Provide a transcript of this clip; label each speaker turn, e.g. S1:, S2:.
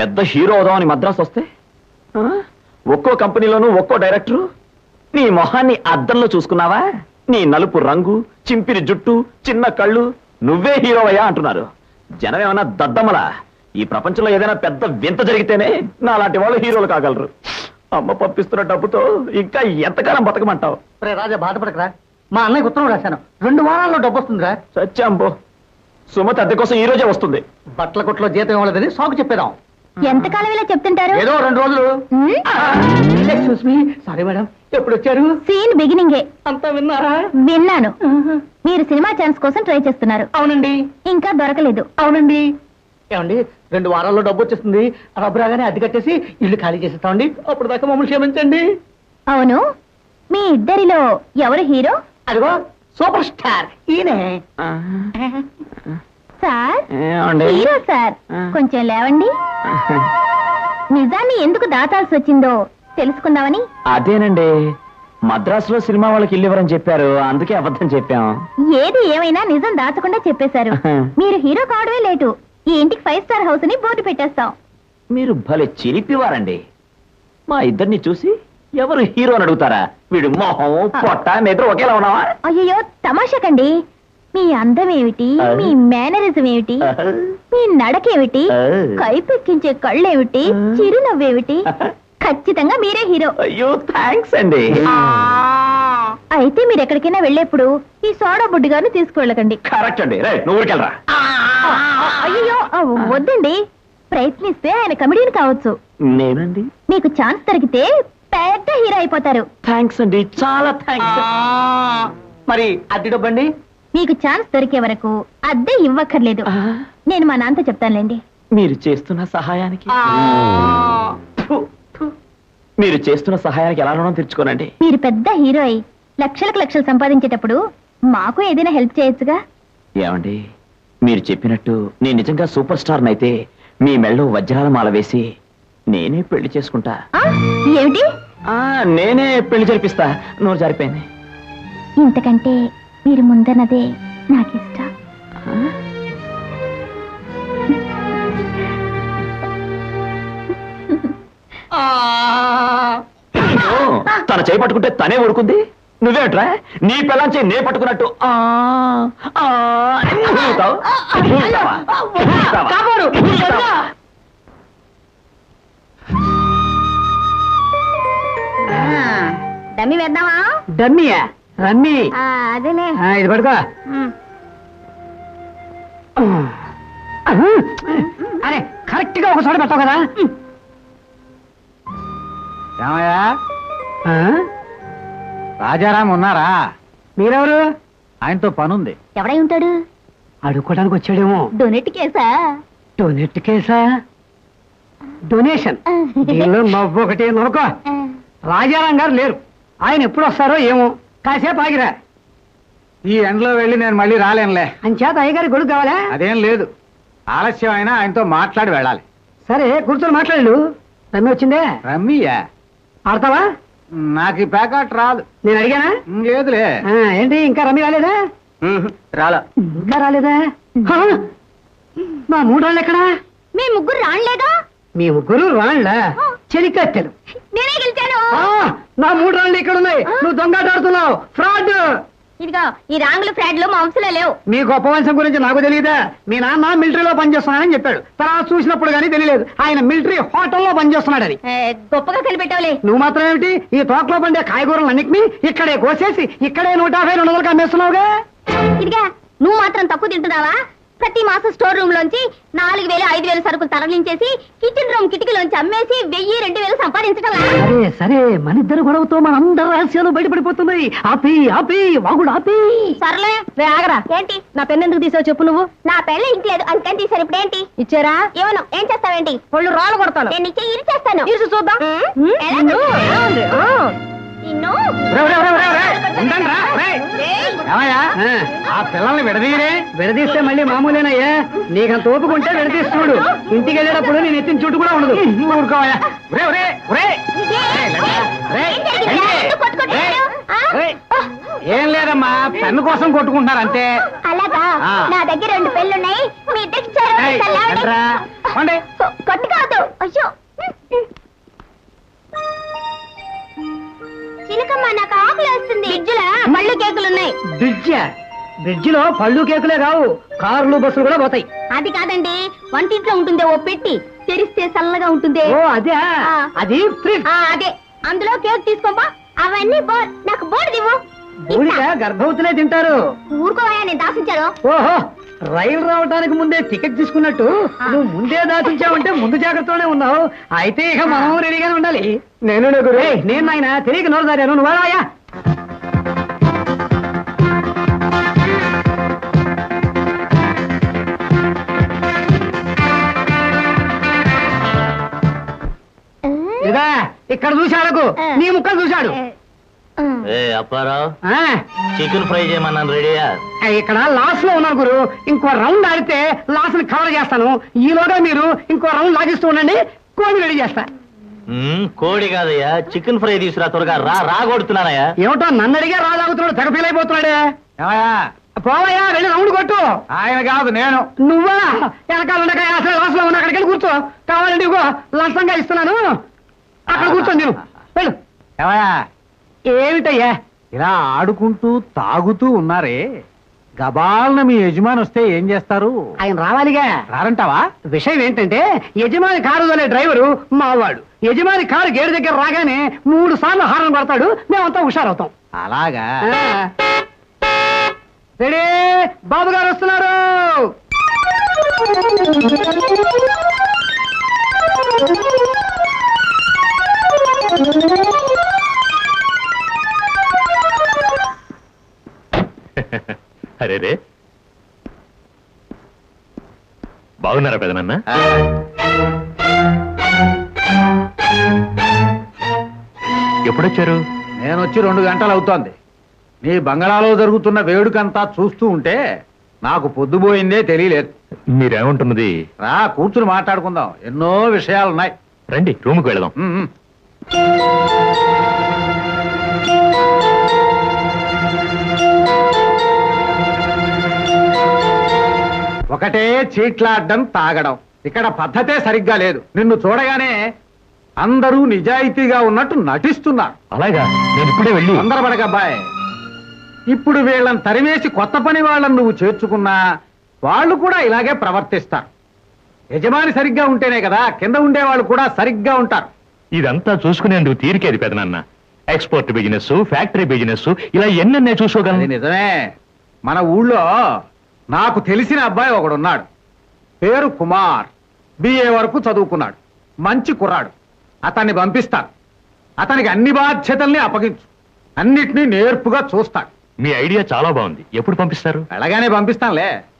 S1: పెద్ద హీరో అవుదామని మద్రాసు వస్తే ఒక్కో కంపెనీలోనూ ఒక్కో డైరెక్టరు. నీ మొహాన్ని అద్దంలో చూసుకున్నావా? నీ నలుపు రంగు, చింపిరి జుట్టు, చిన్న కళ్ళు, నువ్వే హీరోవయ్యా అంటున్నారు. జనం ఏమన్నా దద్దమ్మలా? ఈ ప్రపంచంలో ఏదైనా పెద్ద వింత జరిగితేనే నా లాంటి వాళ్ళు హీరోలు కాగలరు. అమ్మ పంపిస్తున్న డబ్బుతో ఇంకా ఎంతకాలం బతకమంటావు?
S2: రాజా బాధపడకరా, మా అన్నయ్య ఉత్తరం రాశాను, 2 వారాల్లో డబ్బు వస్తుందిరా.
S1: సత్యాంబో, సుమతి అద్దె కోసం ఈ రోజే వస్తుంది.
S2: బట్టల కొట్లో జీతం ఇవ్వలేదని సాకు చెప్పేదాం.
S3: ఎంతకాలం ఇలా చెప్తుంటారు?
S2: ఏదో 2 రోజులు. ఎక్స్క్యూజ్ మీ, సారీ మేడం, ఎప్పుడు వచ్చారు?
S3: సీన్ బిగినింగే.
S2: అంతా విన్నారా?
S3: విన్నాను. మీరు సినిమా ఛాన్స్ కోసం ట్రై చేస్తున్నారు.
S2: అవునండి.
S3: ఇంకా దొరకలేదు.
S2: అవునండి. ఏమండి, 2 వారాల్లో డబ్బు వచ్చేస్తుంది. డబ్బు రాగానే అద్దె కట్టేసి ఇల్లు ఖాళీ చేసేస్తామండి. అప్పుడు దాకా మమ్మల్ని క్షమించండి.
S3: అవును, మీ ఇద్దరిలో ఎవరు హీరో?
S2: అదిగో సూపర్ స్టార్ ఈయనే.
S3: సార్, హీరో సార్, కొంచెం లేవండి. నిజాన్ని ఎందుకు దాచాల్సి వచ్చిందో తెలుసుకుందామని.
S1: అదేనండి, మద్రాసులో సినిమా వాళ్ళకి ఇల్లు ఇవ్వరని చెప్పారు, అందుకే అబద్ధం చెప్పాం.
S3: ఏది ఏమైనా నిజం దాచకుండా చెప్పేశారు. మీరు హీరో కావడమే లేటు. ఈ ఇంటికి 5 స్టార్ హౌస్ అని బోర్డు పెట్టేస్తాం.
S1: మీరు భలే చిరిపివారండి. మా ఇద్దరిని చూసి ఎవరు హీరో అని అడుగుతారా? వీడు మొహం, పొట్ట, నిద్ర ఒకేలా ఉన్నావా?
S3: అయ్యో, తమాషకండి. మీ అందం ఏమిటి, మీ మేనరిజం ఏమిటి, మీ నడకేమిటి, కైపెక్కించే కళ్ళేమిటి, చిరునవ్వేమిటి, ఖచ్చితంగా మీరే హీరో.
S1: అయ్యో, థ్యాంక్స్ అండి.
S3: అయితే మీరు ఎక్కడికైనా వెళ్ళేప్పుడు ఈ సోడా బుడ్డి గారిని తీసుకువెళ్ళకండి.
S1: కరెక్ట్ అండి. రైట్, నువ్వు ఊరికెళ్ళరా.
S3: అయ్యో, వద్దండి. ప్రయత్నిస్తే ఆయన కమెడియన్ కావచ్చు.
S1: నేనండి?
S3: మీకు ఛాన్స్ దొరికితే పెద్ద హీరో అయిపోతారు.
S1: థ్యాంక్స్ అండి, చాలా థ్యాంక్స్.
S2: మరి అద్దె డబ్బండి?
S3: మీకు ఛాన్స్ దొరికే వరకు అద్దె ఇవ్వక్కర్లేదు. నేను మా నాన్నతో చెప్తానులేండి.
S1: మీరు చేస్తున్న సహాయానికి మీరు చేస్తున్న సహాయానికి ఎలా రుణం తీర్చుకోనండి?
S3: మీరు పెద్ద హీరో అయి లక్షలకు లక్షలు సంపాదించేటప్పుడు మాకు ఏదైనా హెల్ప్ చేయొచ్చుగా.
S1: ఏమండి, మీరు చెప్పినట్టు నేను నిజంగా సూపర్ స్టార్ అయితే మీ మెళ్ళో వజ్రాల మాల వేసి నేనే పెళ్లి చేసుకుంటా.
S3: ఏమిటి?
S1: నేనే పెళ్లి జరిపిస్తా. నోరు జారిపోయింది.
S3: ఇంతకంటే మీరు ముందన్నదే నాకు ఇష్టం.
S1: తన చేయి పట్టుకుంటే తనే ఊరుకుంది. నువ్వేమిట్రా నీ పిల్లని చేయి నే పట్టుకున్నట్టు
S3: డమ్మి వేద్దామా?
S2: డమ్మియా? రమ్మి.
S3: అదేలే,
S2: ఇది పడుకో. అరే, కరెక్ట్ గా ఒక చోట పెట్టావు కదా. రామయ్య, రాజారాం ఉన్నారా? మీరెవరు? ఆయనతో పనుంది.
S3: ఎవడై ఉంటాడు?
S2: అడుక్కోడానికి వచ్చాడేమో.
S3: డొనేట్ కేసా?
S2: డొనేట్ కేసా? డొనేషన్. దీనిలో నవ్వు ఒకటి నొరకో. రాజారాం గారు లేరు. ఆయన ఎప్పుడు వస్తారో ఏమో. కాసేపు ఆగిరా.
S4: ఈ ఎండలో వెళ్ళి నేను మళ్ళీ రాలేనులే.
S2: అంచేత అయ్యగారి గొడుగు కావాలా?
S4: అదేం లేదు, ఆలస్యం అయినా ఆయనతో మాట్లాడి వెళ్ళాలి.
S2: సరే, కూర్చొని మాట్లాడు. రమ్మి వచ్చిందే.
S4: రమ్మియా?
S2: ఆడతావా?
S4: నాకు ఈ ప్యాకెట్ రాదు.
S2: నేను అడిగానా?
S4: లేదులే.
S2: ఏంటి, ఇంకా రమ్మి రాలేదా?
S4: రాలా.
S2: ఇంకా రాలేదా? మా 3 రాళ్ళు ఎక్కడా?
S3: మీ ముగ్గురు రాణలేదా?
S2: మీ ముగ్గురు రాళ్ళ చెలికత్తెలు.
S3: నేనే గెలిచాను.
S2: నా 3 రాళ్ళు ఇక్కడ ఉన్నాయి. నువ్వు దొంగాట ఆడుతున్నావు. ఫ్రాడ్.
S3: ఇదిగో, ఈ రాంగులు ఫ్రాడ్లు మా వంశంలో లేవు.
S2: మీ గొప్ప వంశం గురించి నాకు తెలియదా? మీ నాన్న మిలిటరీలో పనిచేస్తున్నానని చెప్పాడు. తర్వాత చూసినప్పుడు కానీ తెలియలేదు ఆయన మిలిటరీ హోటల్లో పనిచేస్తున్నాడని.
S3: గొప్పగా కనిపెట్టావులే.
S2: నువ్వు మాత్రం ఏమిటి, ఈ తోటలో పండే కాయగూరలు అన్నిటినీ ఇక్కడే కోసేసి ఇక్కడే 150, 200 అమ్మేస్తున్నావుగా.
S3: ఇదిగా, నువ్వు మాత్రం తక్కువ తింటున్నావా? ప్రతి మాసం స్టోర్ రూమ్ లోంచి 4000, 5000 సరుకులు తరలించేసి కిచెన్ రూమ్ కిటికీలోంచి అమ్మేసి 1000, 2000 సంపాదించడం.
S2: సరే సరే, మన ఇద్దరు గొడవతో మన అందరి రహస్యాలు బయటపడిపోతున్నాయి. ఆపి ఆపి వాగుడు ఆపి.
S3: సర్లే, ఆగరా. ఏంటి? నా పెన్ ఎందుకు తీసావు చెప్పు. నువ్వు నా పెళ్ళ ఇంట్లేదు అందుకని తీసారు. ఇప్పుడు ఏంటి ఇచ్చారా? ఏమను, ఏం చేస్తావేంటి? వాళ్ళు రాళ్ళు కొడతాను. నేను ఇచ్చే ఇరిచేస్తాను. ఇరుసు చూద్దాం.
S4: ఆ పిల్లల్ని విడదీయరే.
S2: విడదీస్తే మళ్ళీ మామూలేనయ్యా. నీకంత ఓపుకుంటే విడదీస్తున్నాడు. ఇంటికి వెళ్ళేటప్పుడు నేను ఎత్తిన చుట్టు కూడా ఉండదు.
S4: ఊరుకోవా. ఏం లేదమ్మా, పెన్ను కోసం కొట్టుకుంటున్నారు అంతే.
S3: అలాగా? నా దగ్గర 2 పెళ్ళున్నాయి. మీ ఇద్దరికి కొట్టు కాదు, అయ్యో చిలకమ్మ నాకు ఆకలి వేస్తుంది ఫ్రిడ్జ్లో పళ్ళు కేకులు ఉన్నాయి.
S2: బ్రిడ్జ్ లో పళ్ళు కేకులే కావు, కార్లు బస్సులు కూడా పోతాయి.
S3: అది కాదండి, వంటింట్లో ఉంటుందే ఓ పెట్టి, తెరిస్తే చల్లగా ఉంటుంది.
S2: ఓ అదే,
S3: ఆ.
S2: అది ఫ్రిడ్జ్.
S3: అదే, అందులో కేక్ తీసుకోపా. అవన్నీ నాకు బోర్డు దివ్వు.
S2: ఊరిగా గర్భవతులే తింటారు.
S3: ఊరుకోవా, నేను దాసించాను.
S2: ఓహో, రైలు రావడానికి ముందే టికెట్ తీసుకున్నట్టు నువ్వు ముందే దాచించావంటే ముందు జాగ్రత్తలోనే ఉన్నావు. అయితే ఇక మనం రెడీగానే ఉండాలి. నేను ఆయన తెలియక నోరు దారాను, నువ్వు వాడాయా? ఇదా ఇక్కడ చూశాడకు, నీ ముక్కలు చూశాడు.
S1: అప్పారావు,
S2: ఆ,
S1: చికెన్ ఫ్రై చేయమన్నాను, రెడీయా?
S2: ఇక్కడ లాస్ లో ఉన్నాను గురు. ఇంకో రౌండ్ ఆడితే లాస్ ని కవర్ చేస్తాను. ఈలోగా మీరు ఇంకో రౌండ్ లాగిస్తూ ఉండండి, కోడి రెడీ చేస్తా.
S1: కోడి కాదయ్యా, చికెన్ ఫ్రై తీసుకురా త్వరగా. రా కొడుతున్నానయ్యా.
S2: ఏమిటో నన్ను అడిగే రాలాగుతున్నాడు, తెగ ఫీల్ అయిపోతున్నాడే. పోవయ్యా, వెళ్ళి రౌండ్ కొట్టు.
S4: ఆయన కాదు, నేను.
S2: నువ్వా? వెనకాల ఉండక అసలు లాస్ లో ఉన్నా, అక్కడికి వెళ్ళి కూర్చో. కావాలండి ఇగో లంచంగా ఇస్తున్నాను, అక్కడ కూర్చోండి. నేను వెళ్ళు.
S4: ఏమయ్యా,
S2: ఏమిటయ్యా?
S4: ఇలా ఆడుకుంటూ తాగుతూ ఉన్నారే, గబాల్న మీ యజమాని వస్తే ఏం చేస్తారు?
S2: ఆయన రావాలిగా.
S4: రారంటావా?
S2: విషయం ఏంటంటే యజమాని కారు తోలే డ్రైవరు మావాడు. యజమాని కారు గేటు దగ్గర రాగానే 3 సార్లు హారన్ పడతాడు, మేమంతా హుషారవుతాం.
S4: అలాగా?
S2: రెడీ, బాబు గారు వస్తున్నారు.
S5: అరే రే, బాగున్నారా పెదనన్న? ఎప్పుడొచ్చారు?
S4: నేను వచ్చి 2 గంటలు అవుతోంది. నీ బంగళాలో జరుగుతున్న వేడుకంతా చూస్తూ ఉంటే నాకు పొద్దుపోయిందే తెలియలేదు.
S5: మీరేమంటున్నది?
S4: రా కూర్చుని మాట్లాడుకుందాం, ఎన్నో విషయాలున్నాయి.
S5: రండి, రూముకు వెళదాం.
S4: ఒకటే చీట్లాడడం, తాగడం. ఇక్కడ పద్ధతే సరిగ్గా లేదు. నిన్ను చూడగానే అందరూ నిజాయితీగా ఉన్నట్టు నటిస్తున్నారు.
S5: అలాగా? నేను ఇప్పుడే వెళ్ళి.
S4: తొందరపడకబ్బాయ్. ఇప్పుడు వీళ్ళని తరివేసి కొత్త పని వాళ్ళని నువ్వు చేర్చుకున్నా వాళ్ళు కూడా ఇలాగే ప్రవర్తిస్తారు. యజమాని సరిగ్గా ఉంటేనే కదా కింద ఉండేవాళ్ళు కూడా సరిగ్గా ఉంటారు.
S5: ఇదంతా చూసుకునేందుకు తీరికేది పెదనన్న. ఎక్స్పోర్ట్ బిజినెస్, ఫ్యాక్టరీ బిజినెస్, ఇలా ఎన్నెన్నే
S4: అది
S5: చూసుకోగలను.
S4: నిజమే. మన ఊళ్ళో నాకు తెలిసిన అబ్బాయి ఒకడున్నాడు. పేరు కుమార్. BA వరకు చదువుకున్నాడు. మంచి కుర్రాడు. అతన్ని పంపిస్తాను. అతనికి అన్ని బాధ్యతల్ని అప్పగించు. అన్నిటినీ నేర్పుగా చూస్తాడు.
S5: మీ ఐడియా చాలా బాగుంది. ఎప్పుడు పంపిస్తారు?
S4: వెళ్ళగానే పంపిస్తానులే.